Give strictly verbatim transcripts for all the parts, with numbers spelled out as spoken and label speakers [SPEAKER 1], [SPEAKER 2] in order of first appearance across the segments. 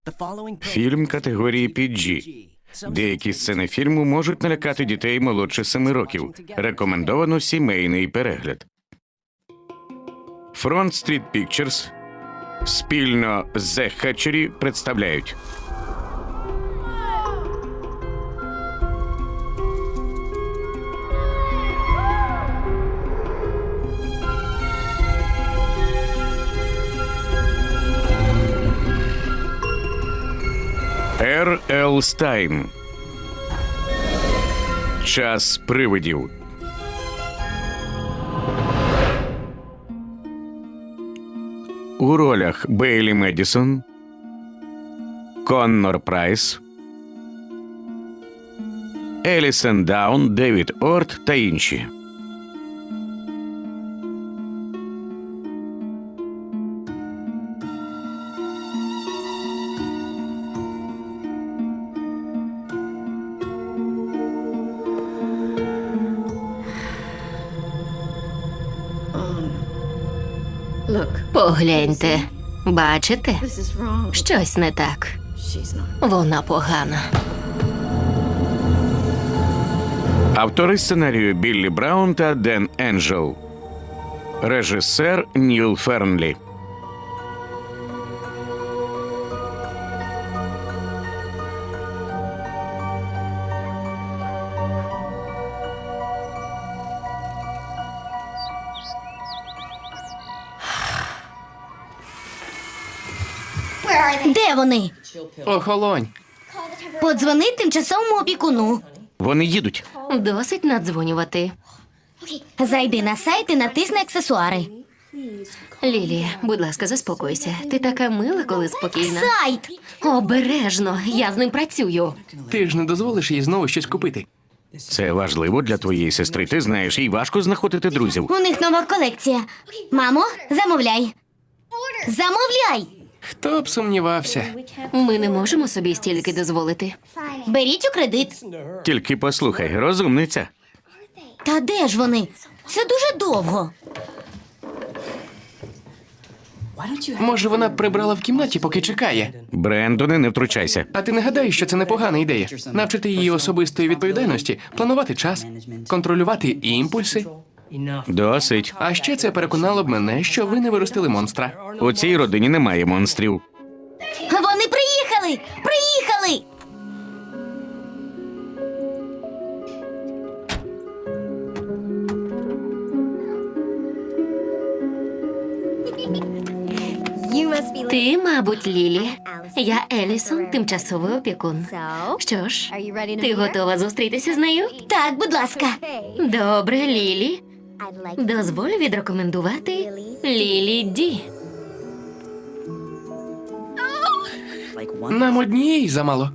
[SPEAKER 1] Фільм категорії пі джі. Деякі сцени фільму можуть налякати дітей молодше семи років. Рекомендовано сімейний перегляд. Front Street Pictures спільно з The Hatchery представляють Р. Л. Стайн. Час привидів. У ролях Бейлі Медісон, Коннор Прайс, Елісон Даун, Девід Орт та інші.
[SPEAKER 2] Погляньте. Бачите? Щось не так. Вона погана.
[SPEAKER 1] Автори сценарію Біллі Браун та Ден Енджел. Режисер Ніл Фернлі.
[SPEAKER 3] Де вони?
[SPEAKER 4] Охолонь.
[SPEAKER 3] Подзвони тимчасовому опікуну.
[SPEAKER 1] Вони їдуть.
[SPEAKER 2] Досить наддзвонювати.
[SPEAKER 3] Зайди на сайт і натисни аксесуари.
[SPEAKER 2] Лілія, будь ласка, заспокойся. Ти така мила, коли спокійна.
[SPEAKER 3] Сайт!
[SPEAKER 2] Обережно, я з ним працюю.
[SPEAKER 4] Ти ж не дозволиш їй знову щось купити.
[SPEAKER 1] Це важливо для твоєї сестри. Ти знаєш, їй важко знаходити друзів.
[SPEAKER 3] У них нова колекція. Мамо, замовляй. Замовляй!
[SPEAKER 4] Хто б сумнівався?
[SPEAKER 2] Ми не можемо собі стільки дозволити.
[SPEAKER 3] Беріть у кредит.
[SPEAKER 1] Тільки послухай, розумниця.
[SPEAKER 3] Та де ж вони? Це дуже довго.
[SPEAKER 4] Може, вона прибрала в кімнаті, поки чекає.
[SPEAKER 1] Брендоне, не втручайся.
[SPEAKER 4] А ти не гадаєш, що це непогана ідея? Навчити її особистої відповідальності, планувати час, контролювати імпульси.
[SPEAKER 1] Досить.
[SPEAKER 4] А ще це переконало б мене, що ви не виростили монстра.
[SPEAKER 1] У цій родині немає монстрів.
[SPEAKER 3] Вони приїхали! Приїхали!
[SPEAKER 2] Ти, мабуть, Лілі. Я Елісон, тимчасовий опікун. Що ж, ти готова зустрітися з нею?
[SPEAKER 3] Так, будь ласка.
[SPEAKER 2] Добре, Лілі. Дозволь відрекомендувати Лілі Ді.
[SPEAKER 4] Нам однієї замало.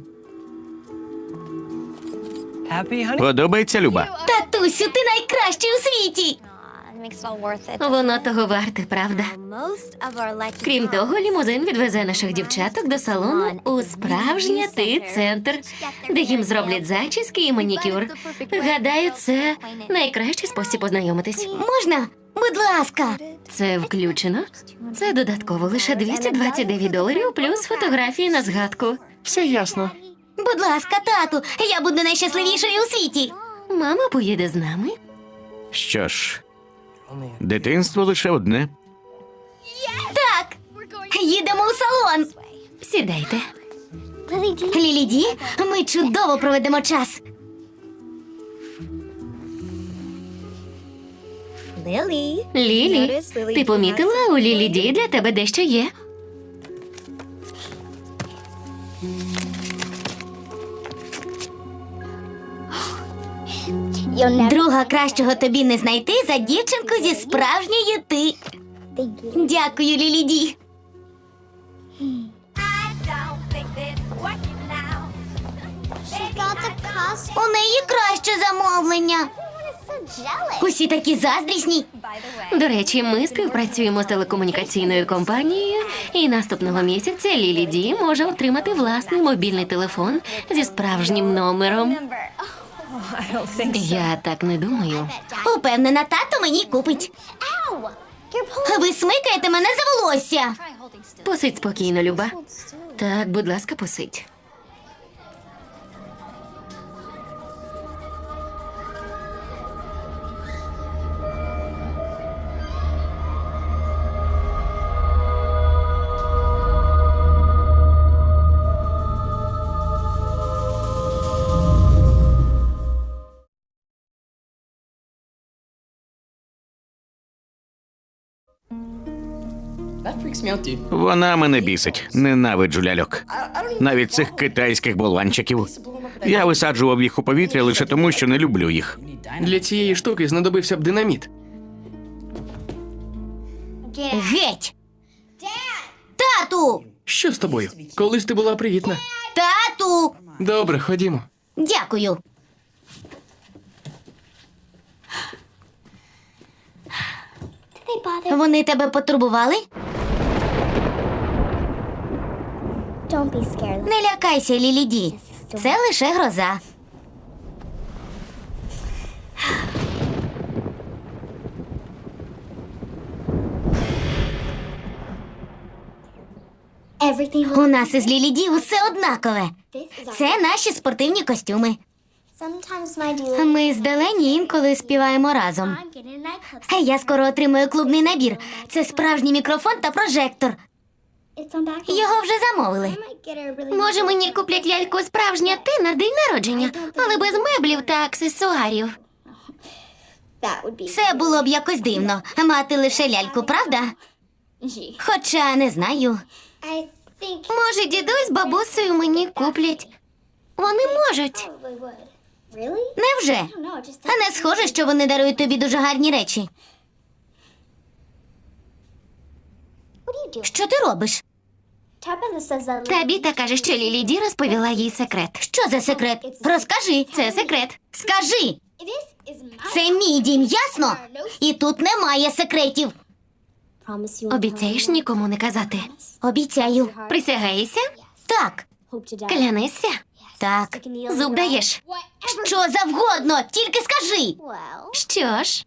[SPEAKER 1] Подобається, Люба?
[SPEAKER 3] Татусю, ти найкращий у світі!
[SPEAKER 2] Воно того варте, правда? Крім того, лімузин відвезе наших дівчаток до салону у справжній ти-центр, де їм зроблять зачіски і манікюр. Гадаю, це найкращий спосіб познайомитись.
[SPEAKER 3] Можна? Будь ласка.
[SPEAKER 2] Це включено. Це додатково лише двісті двадцять дев'ять доларів плюс фотографії на згадку.
[SPEAKER 4] Все ясно.
[SPEAKER 3] Будь ласка, тату, я буду найщасливішою у світі.
[SPEAKER 2] Мама поїде з нами.
[SPEAKER 1] Що ж, дитинство лише одне.
[SPEAKER 3] Так, їдемо у салон.
[SPEAKER 2] Сідайте.
[SPEAKER 3] Лілі Ді, ми чудово проведемо час.
[SPEAKER 2] Лілі, ти помітила, у Лілі Ді для тебе дещо є?
[SPEAKER 3] Друга кращого тобі не знайти за дівчинку зі справжньої ти. Дякую, Лілі Ді. У неї краще замовлення. Усі такі заздрісні.
[SPEAKER 2] До речі, ми співпрацюємо з телекомунікаційною компанією, і наступного місяця Лілі Ді може отримати власний мобільний телефон зі справжнім номером. Я так не думаю.
[SPEAKER 3] Упевнена, тато мені купить. Ви смикаєте мене за волосся.
[SPEAKER 2] Посидь спокійно, Люба. Так, будь ласка, посидь.
[SPEAKER 1] Вона мене бісить. Ненавиджу ляльок. Навіть цих китайських болванчиків. Я висаджував їх у повітря лише тому, що не люблю їх.
[SPEAKER 4] Для цієї штуки знадобився б динаміт.
[SPEAKER 3] Геть! Тату!
[SPEAKER 4] Що з тобою? Колись ти була привітна.
[SPEAKER 3] Тату!
[SPEAKER 4] Добре, ходімо.
[SPEAKER 3] Дякую. Вони тебе потурбували? Не лякайся, Ліліді. Це лише гроза. У нас із Ліліді усе однакове. Це наші спортивні костюми. Ми з Делені інколи співаємо разом. Я скоро отримаю клубний набір. Це справжній мікрофон та прожектор. Його вже замовили. Може, мені куплять ляльку справжня ти на день народження, але без меблів та аксесуарів. Це було б якось дивно. Мати лише ляльку, правда? Хоча не знаю. Може, дідусь з бабусею мені куплять. Вони можуть. Невже? А не схоже, що вони дарують тобі дуже гарні речі. Що ти робиш?
[SPEAKER 2] Табіта каже, що Лілі Ді розповіла їй секрет.
[SPEAKER 3] Що за секрет? Розкажи.
[SPEAKER 2] Це секрет.
[SPEAKER 3] Скажи. Це мій дім, ясно? І тут немає секретів.
[SPEAKER 2] Обіцяєш нікому не казати?
[SPEAKER 3] Обіцяю.
[SPEAKER 2] Присягаєшся?
[SPEAKER 3] Так.
[SPEAKER 2] Клянешся?
[SPEAKER 3] Так.
[SPEAKER 2] Зуб даєш?
[SPEAKER 3] Що завгодно, тільки скажи.
[SPEAKER 2] Що ж?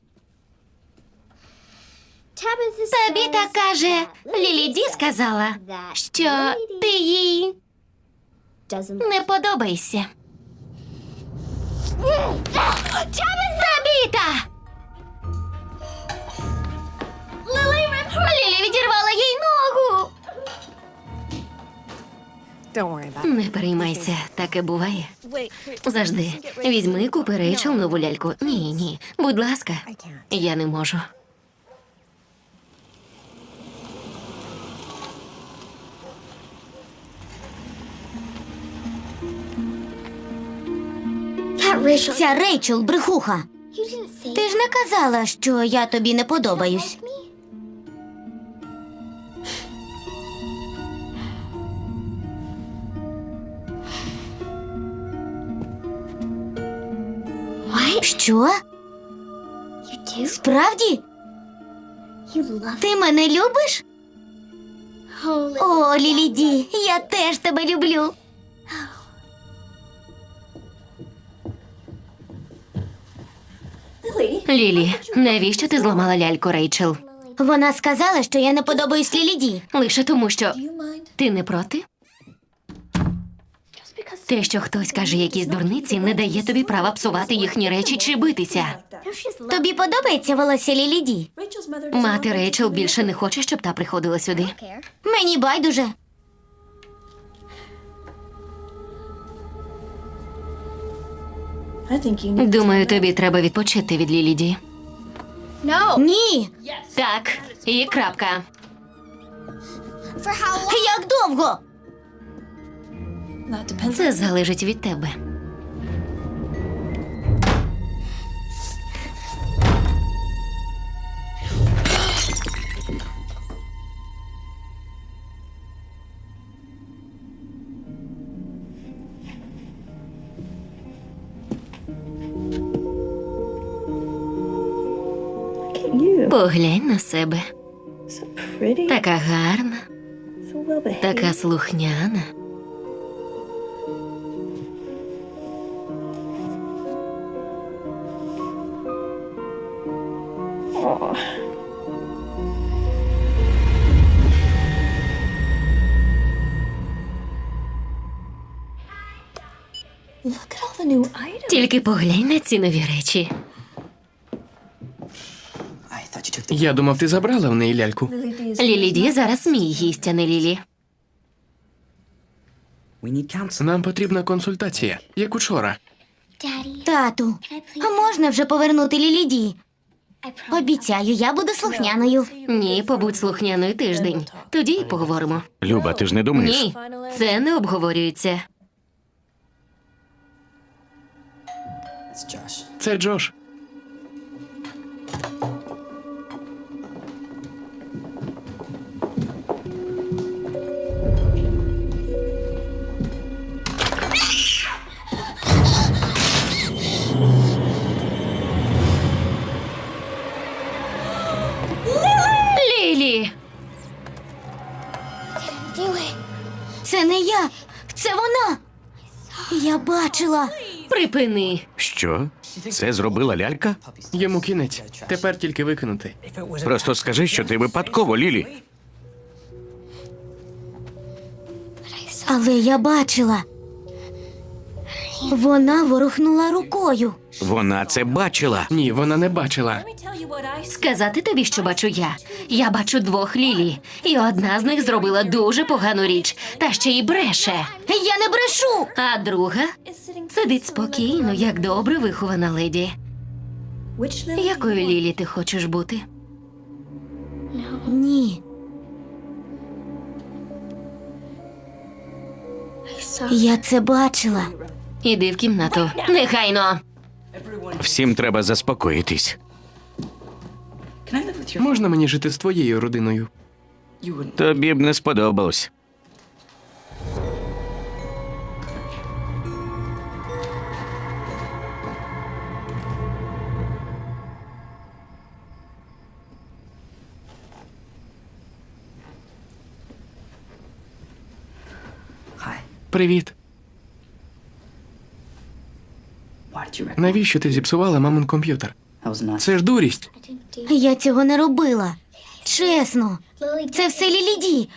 [SPEAKER 2] Табіта каже, Лілі Ді сказала, що ти їй не подобаєшся. Табіта! Лілі відірвала їй ногу. Не переймайся, таке буває. Завжди. Візьми, купи Рейчел нову ляльку. Ні, ні, будь ласка. Я не можу.
[SPEAKER 3] Ця Рейчел брехуха. Ти ж не казала, що я тобі не подобаюсь. Що? Справді? Ти мене любиш? О, Лілі Ді, я теж тебе люблю.
[SPEAKER 2] Лілі, навіщо ти зламала ляльку Рейчел?
[SPEAKER 3] Вона сказала, що я не подобаюсь Лілі Ді.
[SPEAKER 2] Лише тому, що ти не проти? Те, що хтось каже якісь дурниці, не дає тобі права псувати їхні речі чи битися.
[SPEAKER 3] Тобі подобається волосся Лілі Ді?
[SPEAKER 2] Мати Рейчел більше не хоче, щоб та приходила сюди.
[SPEAKER 3] Мені байдуже.
[SPEAKER 2] Думаю, тобі треба відпочити від Лілі Ді.
[SPEAKER 3] Ні.
[SPEAKER 2] Так, і крапка.
[SPEAKER 3] Як довго?
[SPEAKER 2] Це залежить від тебе. Поглянь на себе. Така гарна, така слухняна. Тільки поглянь на ці нові речі.
[SPEAKER 4] Я думав, ти забрала в неї ляльку.
[SPEAKER 2] Лілі Ді зараз мій гість, а не Лілі.
[SPEAKER 4] Нам потрібна консультація, як учора.
[SPEAKER 3] Тату, а можна вже повернути Лілі Ді? Обіцяю, я буду слухняною.
[SPEAKER 2] Ні, побудь слухняною тиждень. Тоді й поговоримо.
[SPEAKER 1] Люба, ти ж не думаєш?
[SPEAKER 2] Ні, це не обговорюється.
[SPEAKER 4] Це Джош.
[SPEAKER 2] Лілі!
[SPEAKER 3] Це не я, це вона. Я бачила.
[SPEAKER 2] Припини.
[SPEAKER 1] Що? Це зробила лялька?
[SPEAKER 4] Йому кінець. Тепер тільки викинути.
[SPEAKER 1] Просто скажи, що ти випадково, Лілі.
[SPEAKER 3] Але я бачила. Вона ворухнула рукою.
[SPEAKER 1] Вона це бачила.
[SPEAKER 4] Ні, вона не бачила.
[SPEAKER 2] Сказати тобі, що бачу я. Я бачу двох Лілі. І одна з них зробила дуже погану річ. Та ще й бреше.
[SPEAKER 3] Я не брешу.
[SPEAKER 2] А друга сидить спокійно, як добре вихована леді. Якою Лілі ти хочеш бути?
[SPEAKER 3] Ні. Я це бачила.
[SPEAKER 2] Іди в кімнату. Нехайно.
[SPEAKER 1] Всім треба заспокоїтись.
[SPEAKER 4] Можна мені жити з твоєю родиною?
[SPEAKER 1] Тобі б не сподобалось.
[SPEAKER 4] Привіт. Навіщо ти зіпсувала мамин комп'ютер? Це ж дурість.
[SPEAKER 3] Я цього не робила. Чесно. Це все Лілі Ді.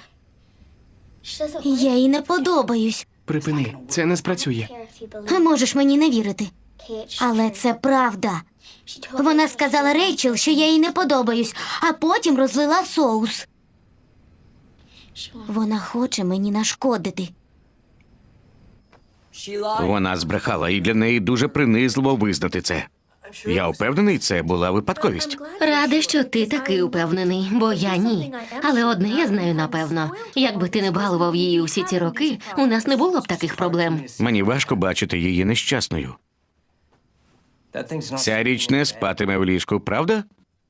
[SPEAKER 3] Я їй не подобаюсь.
[SPEAKER 4] Припини, це не спрацює.
[SPEAKER 3] Можеш мені не вірити. Але це правда. Вона сказала Рейчел, що я їй не подобаюсь, а потім розлила соус. Вона хоче мені нашкодити.
[SPEAKER 1] Вона збрехала, і для неї дуже принизливо визнати це. Я впевнений, це була випадковість.
[SPEAKER 2] Рада, що ти такий упевнений, бо я ні. Але одне я знаю напевно. Якби ти не балував її усі ці роки, у нас не було б таких проблем.
[SPEAKER 1] Мені важко бачити її нещасною. Ця річ не спатиме в ліжку, правда?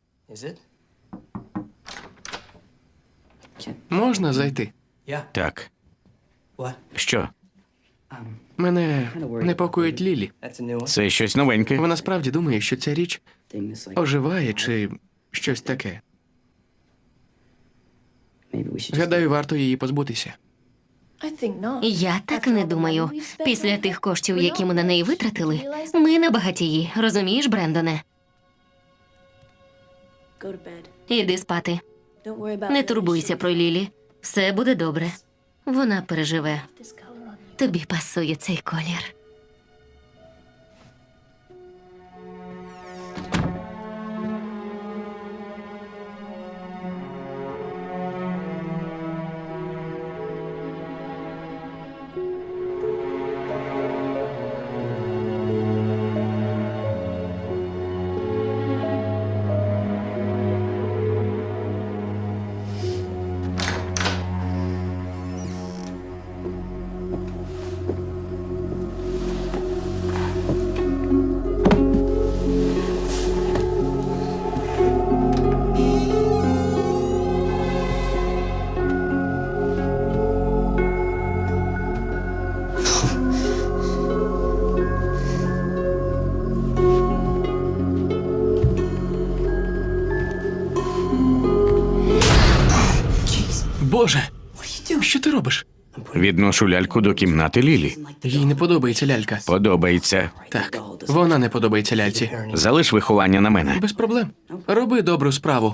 [SPEAKER 4] Можна зайти?
[SPEAKER 1] Так. Що?
[SPEAKER 4] Мене непокоїть Лілі.
[SPEAKER 1] Це щось новеньке.
[SPEAKER 4] Вона справді думає, що ця річ оживає чи щось таке. Гадаю, варто її позбутися.
[SPEAKER 2] Я так не думаю. Після тих коштів, які ми на неї витратили, ми не багатії. Розумієш, Брендоне? Іди спати. Не турбуйся про Лілі. Все буде добре. Вона переживе. Тобі пасує цей колір.
[SPEAKER 4] Боже, що ти робиш?
[SPEAKER 1] Відношу ляльку до кімнати Лілі.
[SPEAKER 4] Їй не подобається лялька.
[SPEAKER 1] Подобається.
[SPEAKER 4] Так, вона не подобається ляльці.
[SPEAKER 1] Залиш виховання на мене.
[SPEAKER 4] Без проблем. Роби добру справу.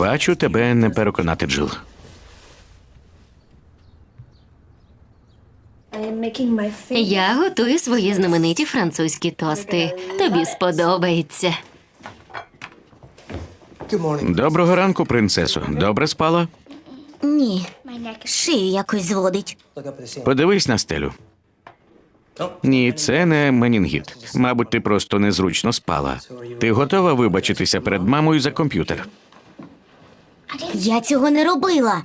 [SPEAKER 1] Бачу, тебе не переконати, Джил.
[SPEAKER 2] Я готую свої знамениті французькі тости. Тобі сподобається.
[SPEAKER 1] Доброго ранку, принцесо. Добре спала?
[SPEAKER 3] Ні, шию якось зводить.
[SPEAKER 1] Подивись на стелю. Ні, це не менінгіт. Мабуть, ти просто незручно спала. Ти готова вибачитися перед мамою за комп'ютер?
[SPEAKER 3] Я цього не робила.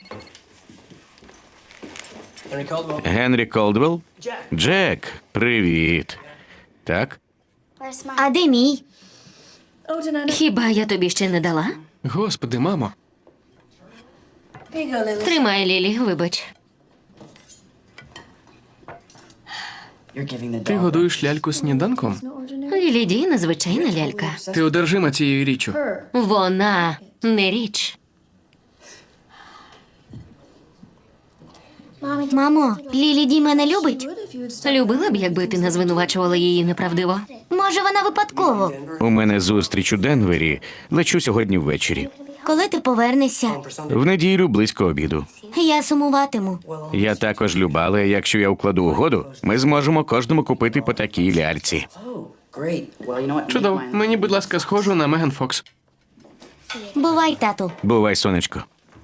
[SPEAKER 1] Генрі Колдвелл? Джек, привіт. Так?
[SPEAKER 3] А де мій?
[SPEAKER 2] Хіба я тобі ще не дала?
[SPEAKER 4] Господи, мамо.
[SPEAKER 2] Тримай, Лілі, вибач.
[SPEAKER 4] Ти годуєш ляльку сніданком?
[SPEAKER 2] Лілі Ді незвичайна лялька.
[SPEAKER 4] Ти одержима цією річчю.
[SPEAKER 2] Вона не річ.
[SPEAKER 3] Мамо, Лілі Ді мене любить?
[SPEAKER 2] Любила б, якби ти не звинувачувала її неправдиво.
[SPEAKER 3] Може, вона випадково?
[SPEAKER 1] У мене зустріч у Денвері. Лечу сьогодні ввечері.
[SPEAKER 3] Коли ти повернешся,
[SPEAKER 1] В неділю близько обіду.
[SPEAKER 3] я сумуватиму.
[SPEAKER 1] Я також люба, але якщо я укладу угоду, ми зможемо кожному купити по такій ляльці.
[SPEAKER 4] Чудово. Мені, будь ласка, схожу на Меган Фокс.
[SPEAKER 3] Бувай, тату.
[SPEAKER 1] Бувай, сонечко.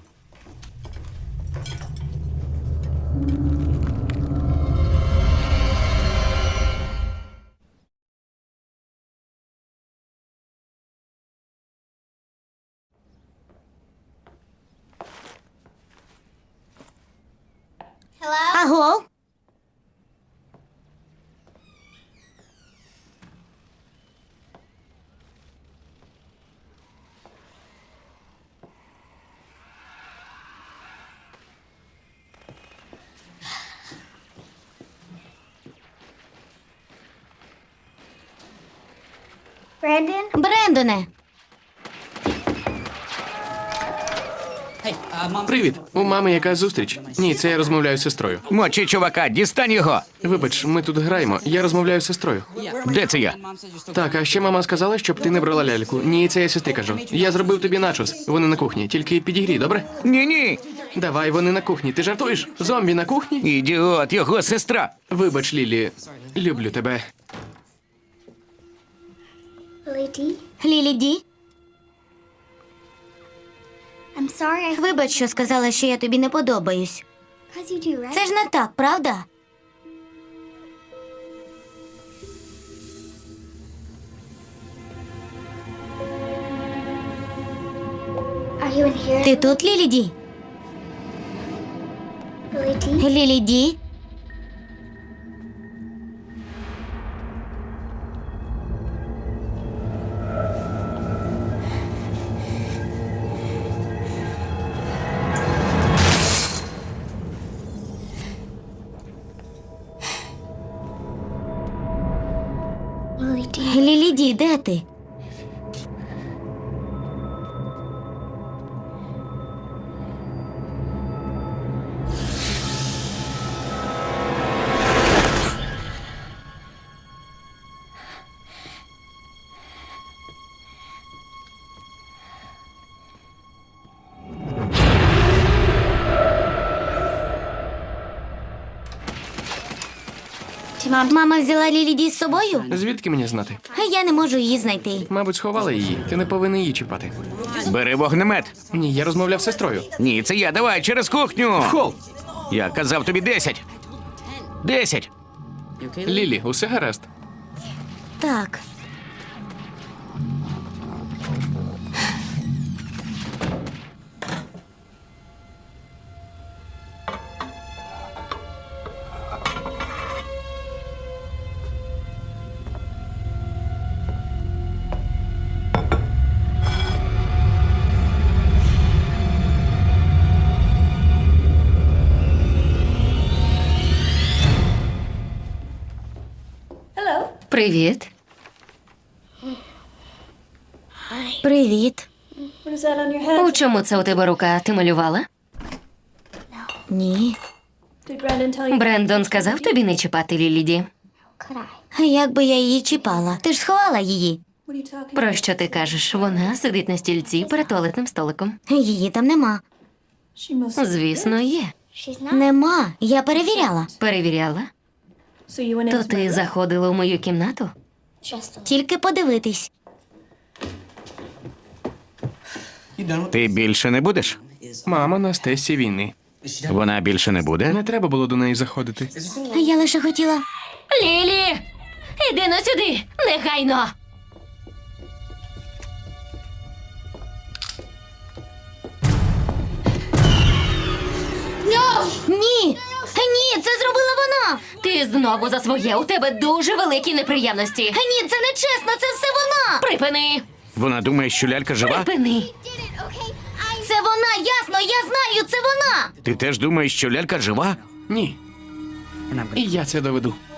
[SPEAKER 3] Аго? Брендоне,
[SPEAKER 4] Привіт. У мами якась зустріч. Ні, це я розмовляю з сестрою.
[SPEAKER 1] Мочи, чувака, дістань його!
[SPEAKER 4] Вибач, ми тут граємо. Я розмовляю з сестрою.
[SPEAKER 1] Де це я?
[SPEAKER 4] Так, а ще мама сказала, щоб ти не брала ляльку. Ні, це я сестрі кажу. Я зробив тобі начос. Вони на кухні. Тільки підігрій, добре?
[SPEAKER 1] Ні-ні!
[SPEAKER 4] Давай, вони на кухні. Ти жартуєш? Зомбі на кухні?
[SPEAKER 1] Ідіот, його сестра!
[SPEAKER 4] Вибач, Лілі. Люблю тебе.
[SPEAKER 3] Лілі Ді? Вибач, що сказала, що я тобі не подобаюсь. Це ж не так, правда? Ти тут, Лілі Ді? Лілі Ді? Лілі Ді, де ти? Мама взяла Лілі Ді з собою?
[SPEAKER 4] Звідки мені знати?
[SPEAKER 3] Я не можу її знайти.
[SPEAKER 4] Мабуть, сховала її. Ти не повинен її чіпати.
[SPEAKER 1] Бери вогнемет.
[SPEAKER 4] Ні, я розмовляв з сестрою.
[SPEAKER 1] Ні, це я, давай, через кухню!
[SPEAKER 4] Хол!
[SPEAKER 1] Я казав тобі десять. Десять.
[SPEAKER 4] Лілі, усе гаразд.
[SPEAKER 3] Так.
[SPEAKER 2] Привіт.
[SPEAKER 3] Привіт.
[SPEAKER 2] У чому це у тебе рука? Ти малювала?
[SPEAKER 3] Ні.
[SPEAKER 2] Брендон сказав тобі не чіпати Лілі Ді?
[SPEAKER 3] Як би я її чіпала? Ти ж сховала її.
[SPEAKER 2] Про що ти кажеш? Вона сидить на стільці перед туалетним столиком.
[SPEAKER 3] Її там нема.
[SPEAKER 2] Звісно, є.
[SPEAKER 3] Нема. Я перевіряла.
[SPEAKER 2] Перевіряла. То ти заходила у мою кімнату?
[SPEAKER 3] Тільки подивитись.
[SPEAKER 1] Ти більше не будеш?
[SPEAKER 4] Мама на стесі війни.
[SPEAKER 1] Вона більше не буде?
[SPEAKER 4] Не треба було до неї заходити.
[SPEAKER 3] Я лише хотіла.
[SPEAKER 2] Лілі! Іди но сюди! Негайно!
[SPEAKER 3] Ні! Ні, це зробила вона!
[SPEAKER 2] Ти знову за своє. У тебе дуже великі неприємності.
[SPEAKER 3] Ні, це не чесно, це все вона!
[SPEAKER 2] Припини!
[SPEAKER 1] Вона думає, що лялька жива?
[SPEAKER 2] Припини!
[SPEAKER 3] Це вона, ясно, я знаю, це вона!
[SPEAKER 1] Ти теж думаєш, що лялька жива?
[SPEAKER 4] Ні. І я це доведу.